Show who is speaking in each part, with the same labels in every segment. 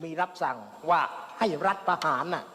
Speaker 1: มีรับสั่งว่าให้รัฐประหารน่ะ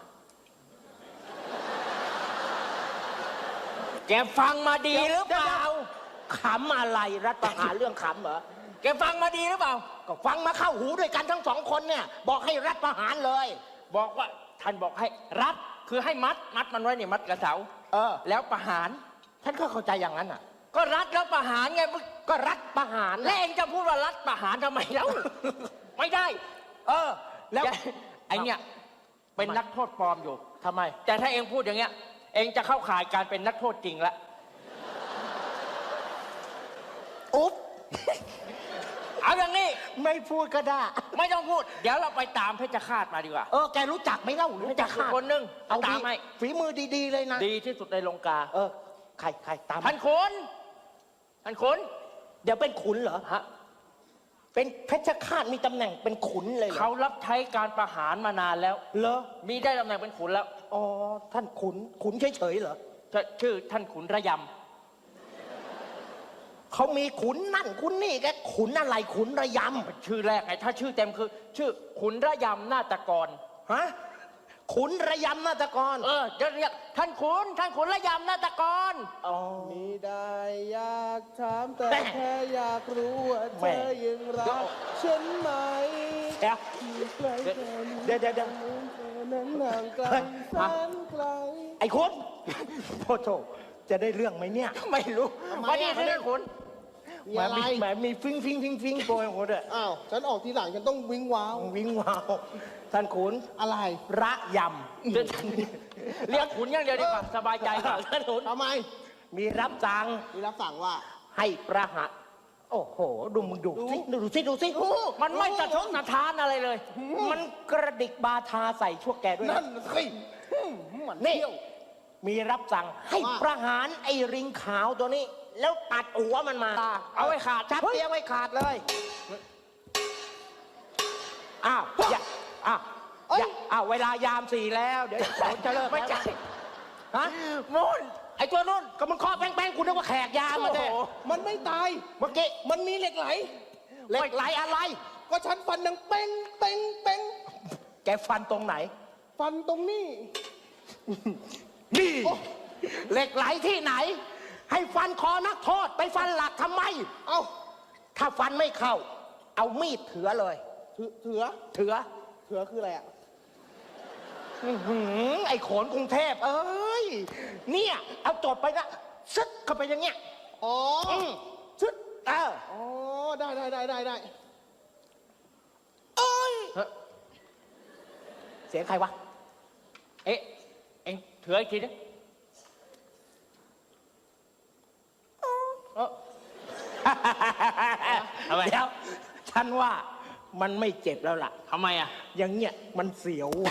Speaker 1: แกฟังมาดีหรือเปล่าขำอะไรรัฐประหารเรื่องขำเหรอแกฟังมาดีหรือเปล่าก็ฟังมาเข้าหูด้วยกันทั้งสองคนเนี่ยบอกให้รัฐประหารเลยบอกว่าท่านบอกให้รัฐคือให้มัดมันไว้เนี่ยมัดกระเสาแล้วประหารฉันก็เข้าใจอย่างนั้นอ่ะก็รัฐแล้วประหารไงก็รัฐประหารแล้วเองจะพูดว่ารัฐประหารทำไมแล้วไม่ได้แล้วไอเนี่ยเป็นนักโทษปลอมอยู่ทำไมแต่ถ้าเองพูดอย่างเงี้ยเองจะเข้าข่ายการเป็นนักโทษจริงละอุ๊บเอาอย่างนี้ไม่พูดก็ได้ไม่ต้องพูดเดี๋ยวเราไปตามเพชรฆาตมาดีกว่าแกรู้จักไหมเล่ารู้จักคนนึงเอาตามให้ฝีมือดีๆเลยนะดีที่สุดในลงกาใครตามท่านขุนเดี๋ยวเป็นขุนเหรอฮะเป็นเพชรฆาตมีตำแหน่งเป็นขุนเลยเขารับใช้การประหารมานานแล้วเหรอมีได้ตำแหน่งเป็นขุนแล้วอ๋อท่านขุนเฉยๆเหรอชื่อท่านขุนระยำเขามีขุนนั่นขุนนี่แกขุนอะไรขุนระยำชื่อแรกไงถ้าชื่อเต็มคือชื่อขุนระยำนาฏกรฮะขุนระยำนาฏกรจะเรียกท่านขุนระยำนาฏกร
Speaker 2: มีได้อยากถามแต่แค่อยากรู้ว่าเธอยังรักฉันไหมเดี๋ยวนั้นห่างไกลแสนไกล
Speaker 1: ไอ้คุณโทษจะได้เรื่องไหมเนี่ยไม่รู้ว่านี่คือเรื่องคุณแหมมีฟิงโปรยของคุณด้วย
Speaker 2: อ้าวฉันออกทีหลังฉันต้องวิ่งว้าว
Speaker 1: ท่านขุน
Speaker 2: อะไร
Speaker 1: ระยำเรียกขุนอย่างเดียวดีกว่าสบายใจกว่าท่านขุน
Speaker 2: ทำไม
Speaker 1: มีรับสั่ง
Speaker 2: ว่า
Speaker 1: ให้ประหารโอ้โหดูมึงดูสิมันไม่สะทกสะท้านอะไรเลยมันกระดิกบาทาใส่ชั่วแกด้วย
Speaker 2: นั่นสิ
Speaker 1: นี่มีรับสั่งให้ประหารไอ้ริงขาวตัวนี้แล้วตัดหัวมันมาเอาไว้ขาดชัดเตี้ยไว้ขาดเลยอ้าวเวลายาม4แล้วเดี๋ยวจะเลิกไม่ใช่ฮะมูนไอ้ตัวนู้นก็มันเคาะแป้งกูนึกว่าแขกยามมาเด้
Speaker 2: มันไม่ตาย
Speaker 1: เมื่อกี้
Speaker 2: มันมีเหล็กไหล
Speaker 1: อะไร
Speaker 2: ก็ฉันฟันดังเป้ง
Speaker 1: แกฟันตรงไหน
Speaker 2: ฟันตรงนี้
Speaker 1: นี่เหล็กไหลที่ไหนให้ฟันคอนักโทษไปฟันหลักทำไมถ้าฟันไม่เข้าเอามีดเถือเลย
Speaker 2: เถือคืออะไรอ่ะ
Speaker 1: ไอ้โขนกรุงเทพเนี่ยเอาจดไปนะซึดเข้าไปอย่างเงี้ยซึด
Speaker 2: ได้
Speaker 1: เสียงใครวะเอ็งเถืออีกทีนะเดี๋ยวฉันว่ามันไม่เจ็บแล้วล่ะทำไมอ่ะอย่างเงี้ยมันเสียว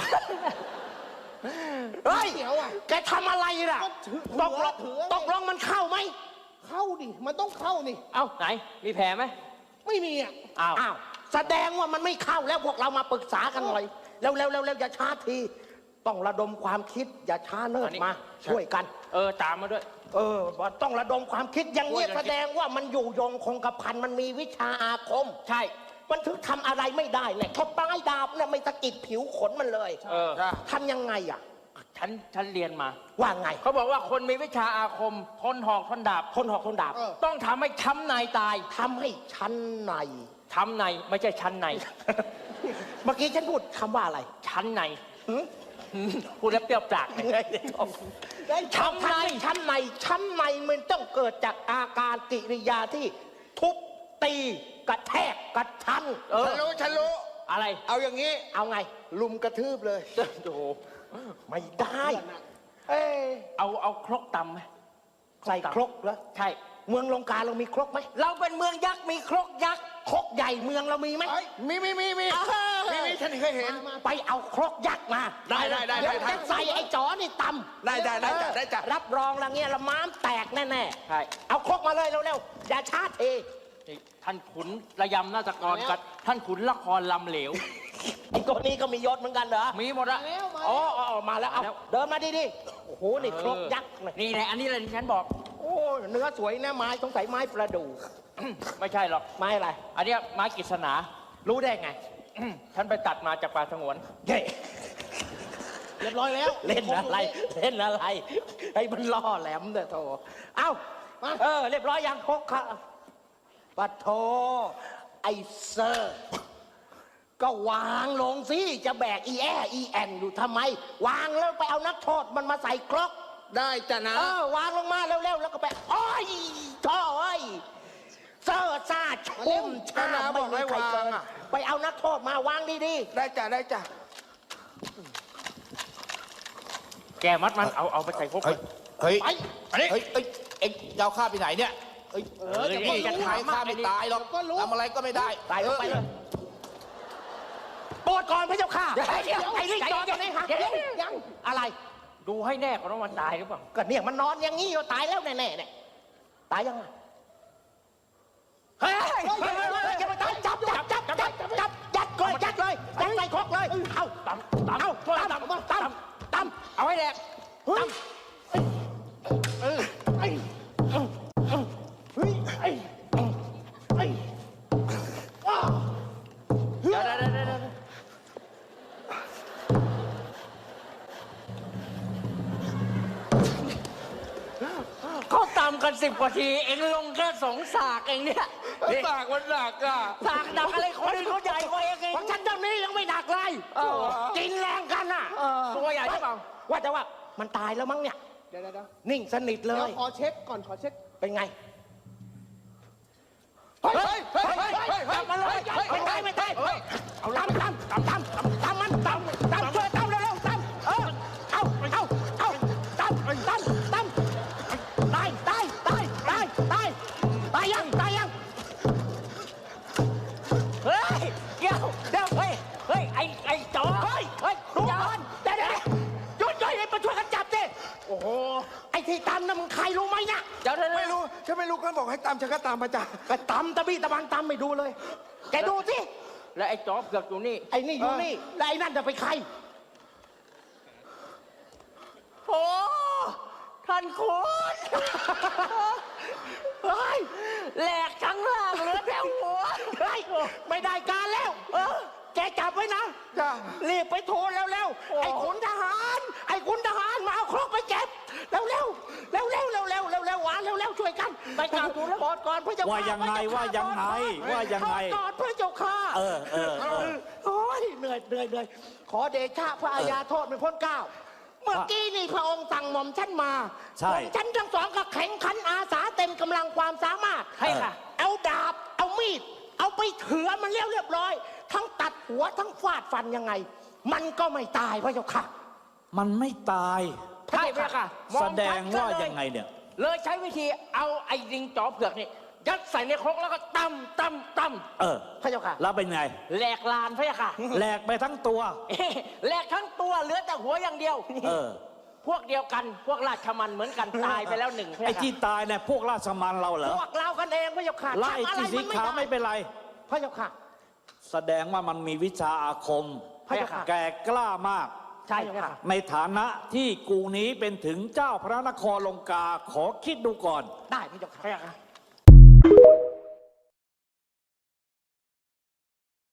Speaker 1: เฮ้ยแกทำอะไรล่ะตกลงมันเข้าไหม
Speaker 2: เข้าดิมันต้องเข้านี่
Speaker 1: ไหนมีแผลไหม
Speaker 2: ไม่มีอ่ะ
Speaker 1: อ้าวแสดงว่ามันไม่เข้าแล้วพวกเรามาปรึกษากันหน่อยแล้วอย่าช้าทีต้องระดมความคิดอย่าช้าเนิ่นมาช่วยกันตามมาด้วยต้องระดมความคิดอย่างนี้แสดงว่ามันอยู่ยงคงกระพันมันมีวิชาอาคมใช่มันถึงทำอะไรไม่ได้แหละเขาปลายดาบเนี่ยไม่ตะกิดผิวขนมันเลยทำยังไงอ่ะฉันเรียนมาว่าไงเขาบอกว่าคนมีวิชาอาคมทนหอกทนดาบต้องทำให้ช้ำในตายทำให้ชั้นในไม่ใช่ชั้นในเมื่อกี้ฉันพูดคำว่าอะไรชั้นในพูดแล้วเปรี้ยวปากชั้นในมันต้องเกิดจากอาการกิริยาที่ทุบตีกระแทกกระทัน
Speaker 2: ฉันรู้
Speaker 1: อะไร
Speaker 2: เอาอย่างนี้
Speaker 1: เอาไง
Speaker 2: ลุมกระทืบเลย
Speaker 1: โอ้ไม่ได้เอาครกตำไหมใส่ครกเหรอใช่เมืองลงกาเรามีครกไหมเราเป็นเมืองยักษ์มีครกยักษ์ครกใหญ่เมืองเรามีไหม
Speaker 2: มีฉันเคยเห็น
Speaker 1: ไปเอาครกยักษ์มา
Speaker 2: ได้
Speaker 1: เดี๋ยวจะใส่ไอ้จ๋อนี่ตำ
Speaker 2: ได้จ้ะ
Speaker 1: รับรองละเงี้ยละม้ามแตกแน่ใช่เอาครกมาเลยเร็วอย่าช้าเทท่านขุนระยำนาฏกรกับท่านขุนละครลำเหลวไอ้ตัวนี้ก็มียศเหมือนกันเหรอมีหมดละมาแล้วเอาเดินมาดิโอ้โหนี่ครกยักษ์นี่แหละอันนี้เลยที่ฉันบอกโอ้เนื้อสวยนะไม้สงสัยไม้ประดู่ไม่ใช่หรอกไม้อะไรอันนี้ไม้กฤษณารู้ได้ไง
Speaker 3: ฉันไปตัดมาจากป่าสงวน
Speaker 1: เย้
Speaker 2: เรียบร้อยแล้ว
Speaker 1: เล่นอะไรเล่นอะไรให้มันล่อแหลมเด้อโถเอ้าเรียบร้อยยังครบค่ะปัดโถไอเซอร์ ก็วางลงสิจะแบกอีแอนอยู่ทำไม วางแล้วไปเอานักโทษมันมาใส่ครก
Speaker 2: ได้จ้ะนะ
Speaker 1: วางลงมาเร็วๆแล้วก็ไปอ้อยท่ออ้อยเซอร์ซาชุ่มชาไม่มีใครเกินไปเอานักโทษมาวางดี
Speaker 2: ได้จ้ะได้จ้ะ
Speaker 3: แกมัดมันเอาไปใส่พวก
Speaker 4: เฮ้ย
Speaker 1: ๆไป
Speaker 4: เฮ้ยเอ็งจะเอาข้าไปไหนเนี่ยเอ้ย
Speaker 2: เดี๋ยวก็รู้
Speaker 4: จะทายข้าไม่ตายหรอก
Speaker 2: ก็รู้
Speaker 4: ทำอะไรก็ไม่ได้
Speaker 1: ไปเลยโปรดก่อนพระเจ้าค่ะไอ้ลิงจอดตรงนี้ฮะยังอะไร
Speaker 3: ดูให้แน่ก่อนว่ามันตายหรือเปล่า
Speaker 1: ก็เนี่ยมันนอนอย่างนี้อยู่ตายแล้วแน่ๆเนี่ยตายยังไงเฮ้ยอย่ามาจับยัดเลยยัดใส่ครกเลยเอาตำเอาให้แดกตำ
Speaker 3: เดี๋ยวเขาตำกัน10 กว่าที เองลงแค่2 สากเองเนี่ย
Speaker 4: สากมันหนักอ่ะ
Speaker 3: สากดักอะไรคนอื่นเขาใหญ่กว่าเอง
Speaker 1: ของฉันเจ้านี้ยังไม่หนักเลยกินแรงกันน่ะ
Speaker 3: ตัวใหญ่ใช่เปล่า
Speaker 1: ว่าแต่ว่ามันตายแล้วมั้งเนี่ย
Speaker 2: เดี๋ยว
Speaker 1: นิ่งสนิทเล
Speaker 2: เดี๋ยวย ขอเช็คก่อนขอเช็ค
Speaker 1: เป็นไง ไม่ตายเอาตำมันช่วยตำเร็วๆตำเอาตำตายยัง
Speaker 3: เฮ้ยเดี๋ยวเฮ้ยไอ้จอ
Speaker 1: ดูก่อนเดี๋ยวหยุดมาช่วยกันจับดิโอ้โหไอ้ที่ตำน่ะมึงใครรู้ไหมเนี่ย
Speaker 3: เดี๋ยว
Speaker 2: ไม่รู้ฉันไม่รู้เขาบอกให้ตามฉันก็ตามมาจ้ะ
Speaker 1: ก็ตำตะบี้ตะบันตำไม่ดูเลยแกดูสิ
Speaker 3: แล้วไอ้จอเผือกอยู่นี่
Speaker 1: ไอ้นี่อยู่นี่แล้วไอ้นั่นจะไปใคร
Speaker 3: โอ้ท่านคุณ
Speaker 1: เฮ้ย
Speaker 3: แหลกทั้งล่างเหลือแต่หัว
Speaker 1: เฮ้ยไม่ได้การแล้วแกจับไว้นะ
Speaker 2: จ้ะ
Speaker 1: รีบไปทูลเร็วๆไอ้ขุนทหารมาเอาครกไปเก็บเร็วๆหวานเร็วช่วยกันไปกราบทูลแล้วบอกก่อนพระเจ้าค่ะ
Speaker 5: ว่ายังไงว่ายังไง
Speaker 1: ก่อนพระเจ้าค่ะโอ้ยเหนื่อยขอเดชะพระอาญาโทษไม่พ้นเกล้าเมื่อกี้นี่พระองค์สั่งหม่อมฉันมาหม่อมฉันทั้งสองก็แข่งขันอาสาเต็มกำลังความสามารถ
Speaker 3: ให้ค่ะ
Speaker 1: เอาดาบเอามีดเอาไปเถือมันเรียบร้อย ทั้งตัดหัวทั้งฟาดฟันยังไง มันก็ไม่ตายพระเจ้าค่ะ
Speaker 5: มันไม่ตาย
Speaker 3: ใช่ไหมค่ะ
Speaker 5: แสดงว่ายังไงเนี่ย
Speaker 3: เลยใช้วิธีเอาไอ้ลิงจอเผือกนี่ยัดใส่ในครกแล้วก็ตำ
Speaker 1: พระเจ้าค่ะ
Speaker 5: แล้วเป็นไง
Speaker 3: แหลกลานพะยะค่ะ
Speaker 5: แหลกไปทั้งตัว
Speaker 3: แหลกทั้งตัวเหลือแต่หัวอย่างเดียว พวกเดียวกันพวกราชมันเหมือนกันตายไปแล้ว1พะ
Speaker 5: ไอ้
Speaker 3: ยะค่ะ
Speaker 5: ที่ตายเนี่ยพวกราชมันเราเหรอ
Speaker 1: พวกเรากันเองพระเจ้าค่ะ
Speaker 5: ไล่
Speaker 1: ทำอะไร
Speaker 5: ที่สี
Speaker 1: มัน
Speaker 5: ขาวไม่เป็นไร
Speaker 1: พระเจ้าค่ะ
Speaker 5: แสดงว่ามันมีวิชาอาคม
Speaker 1: พระเจ้าค่ะ
Speaker 5: แก่กล้ามาก
Speaker 1: ใช่ค่ะ
Speaker 5: ในฐานะที่กูนี้เป็นถึงเจ้าพระนครลงกาขอคิดดูก่อน
Speaker 1: ได้พระเจ้าค่ะ